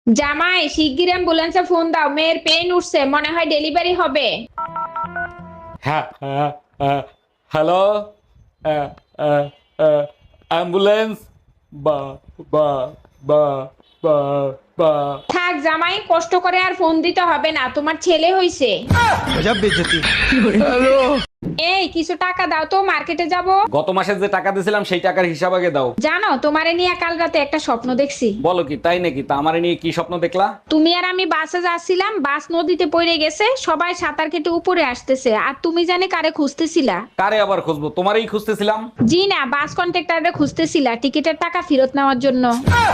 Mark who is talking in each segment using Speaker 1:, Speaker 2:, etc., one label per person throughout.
Speaker 1: জামাই, শিগগির অ্যাম্বুলেন্সে ফোন দাও, মেয়ের পেন উঠছে, মনে হয় ডেলিভারি হবে।
Speaker 2: হ্যাঁ হ্যাঁ, হ্যালো, অ্যাম্বুলেন্স, বা বা বা বা বা
Speaker 1: থাক জামাই, কষ্ট করে আর ফোন দিতে হবে না, তোমার ছেলে হইছে। এই কিছু টাকা দাও তো, মার্কেটে যাব।
Speaker 2: গত মাসে যে টাকা দিয়েছিলাম সেই টাকার হিসাব আগে দাও।
Speaker 1: জানো, তোমারে নিয়ে কাল রাতে একটা স্বপ্ন দেখছি।
Speaker 2: বলো কি, তাই নাকি? তা আমারে নিয়ে কি স্বপ্ন দেখলা?
Speaker 1: তুমি আর আমি বাসে যাচ্ছিলাম, বাস নদীতে পড়ে গেছে, সবাই সাঁতার কেটে উপরে আসতেছে, আর তুমি জানে কারে খুঁজতেছিলা?
Speaker 2: কারে আবার খুঁজবো? তোমারই খুঁজতেছিলাম।
Speaker 1: জি না, বাস কন্ট্রাক্টরে খুঁজতেছিলা টিকিটের টাকা ফেরত নেওয়ার জন্য।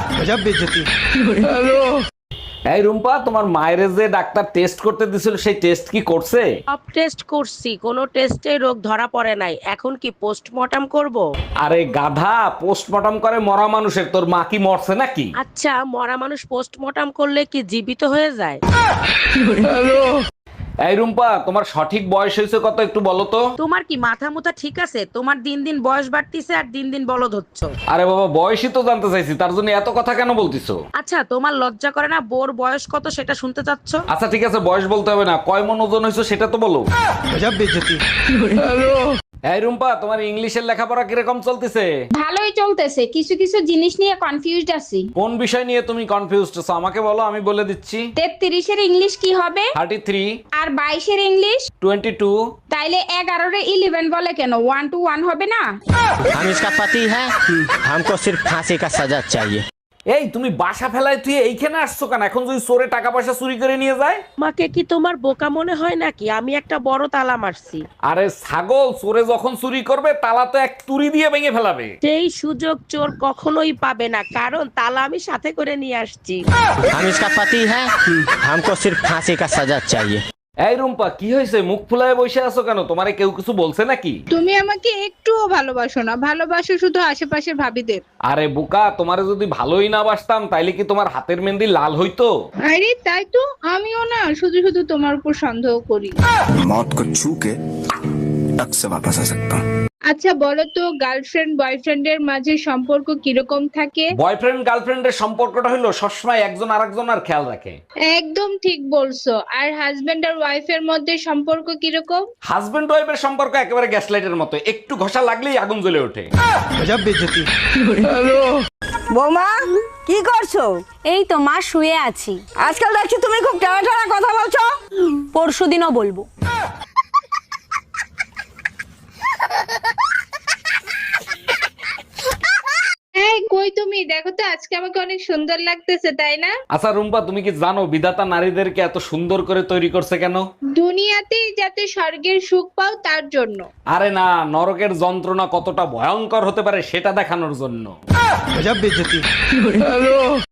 Speaker 2: এই রুম্পা, তোমার মায়ের যে ডাক্তার টেস্ট করতে দিছিল সেই টেস্ট কি করছে?
Speaker 3: সব টেস্ট করছি, কোনো টেস্টে রোগ ধরা পড়ে নাই। এখন কি পোস্টমর্টম করব?
Speaker 2: আরে গাধা, পোস্টমর্টম করে মরা মানুষের, তোর মা কি মরছে নাকি?
Speaker 3: আচ্ছা, মরা মানুষ পোস্টমর্টম করলে কি জীবিত হয়ে যায়?
Speaker 2: এই রুম্পা, তোমার সঠিক বয়স হয়েছে কত একটু বলো তো?
Speaker 3: তোমার কি মাথা মুথা ঠিক আছে? তোমার দিন দিন বয়স বাড়তিছে আর দিন দিন বলদ হচ্ছ।
Speaker 2: আরে বাবা, বয়সই তো জানতে চাইছি, তার জন্য এত কথা কেন বলতিছো?
Speaker 3: আচ্ছা, তোমার লজ্জা করে না বোর বয়স কত সেটা শুনতে চাচ্ছ?
Speaker 2: আচ্ছা ঠিক আছে, বয়স বলতে হবে না, কয় মন ওজন হয়েছে সেটা তো বলো। এই রুম্পা, তোমার ইংলিশের লেখাপড়া কিরকম চলতেছে?
Speaker 1: ভালোই চলতেছে, কিছু কিছু জিনিস নিয়ে কনফিউজড আছি।
Speaker 2: কোন বিষয় নিয়ে তুমি কনফিউজড আছো আমাকে বলো, আমি বলে দিচ্ছি।
Speaker 1: 33-এর ইংলিশ কি হবে?
Speaker 2: 33,
Speaker 1: আর 22-এর ইংলিশ?
Speaker 2: 22।
Speaker 1: তাইলে 11-রে 11 বলে কেন? 1 to 1 হবে না?
Speaker 4: हम इसका पति है, हमको सिर्फ फांसी का सजा चाहिए।
Speaker 2: এই তুমি বাসা ফেলায় তুই এইখানে আসছো কেন? এখন যদি চোরে টাকা পয়সা চুরি করে নিয়ে যায়?
Speaker 3: আমাকে কি তোমার বোকা মনে হয় নাকি? আমি একটা বড় তালা মারছি।
Speaker 2: আরে ছাগল, চোরে যখন চুরি করবে তালা তো এক তুড়ি দিয়ে ভেঙে ফেলাবে।
Speaker 3: সেই সুযোগ চোর কখনোই পাবে না, কারণ তালা আমি সাথে করে নিয়ে আসছি।
Speaker 4: हम इसका पति है, हमको सिर्फ फांसी का सजा चाहिए।
Speaker 2: এই রুম্পা, কি হয়েছে? মুখ ফুলায় বসে আছো কেন? তোমারে কেউ কিছু বলছে নাকি?
Speaker 5: তুমি আমাকে একটুও ভালোবাসো না, ভালোবাসো শুধু আশেপাশের ভাবিদের।
Speaker 2: আরে বোকা, তোমারে যদি ভালোই না বাসতাম তাইলে কি তোমার হাতের মেহেন্দি লাল হইতো?
Speaker 5: আরে তাই তো, আমিও না শুধু শুধু তোমার উপর সন্দেহ করি।
Speaker 6: मौत को छू के टक से वापस आ सकता हूँ।
Speaker 5: আচ্ছা বলো তো, গার্লফ্রেন্ড বয়ফ্রেন্ডের মাঝে সম্পর্ক কিরকম থাকে?
Speaker 2: বয়ফ্রেন্ড গার্লফ্রেন্ডের সম্পর্কটা হলো সবসময় একজন আরেকজনের খেয়াল রাখে।
Speaker 5: একদম ঠিক বলছো। আর হাজবেন্ড আর ওয়াইফের মধ্যে সম্পর্ক কিরকম?
Speaker 2: হাজবেন্ড ওয়াইফের সম্পর্ক একেবারে গ্যাস লাইটের মতো, একটু ঘষা লাগলেই আগুন জ্বলে ওঠে।
Speaker 7: বৌমা, কি করছো?
Speaker 8: এই তো মা, শুয়ে আছি।
Speaker 7: আজকাল দেখছি তুমি খুব টানা টানা কথা বলছো।
Speaker 8: পরশুদিনও বলবো।
Speaker 5: এই কই তুমি? দেখো তো আজকে আমাকে অনেক সুন্দর লাগতেছে, তাই না?
Speaker 2: আচ্ছা রুম্পা, তুমি কি জানো বিধাতা নারীদেরকে এত সুন্দর করে তৈরি করছে কেন?
Speaker 5: দুনিয়াতেই যাতে স্বর্গের সুখ পাও তার জন্য।
Speaker 2: আরে না, নরকের যন্ত্রণা কতটা ভয়ঙ্কর হতে পারে সেটা দেখানোর জন্য।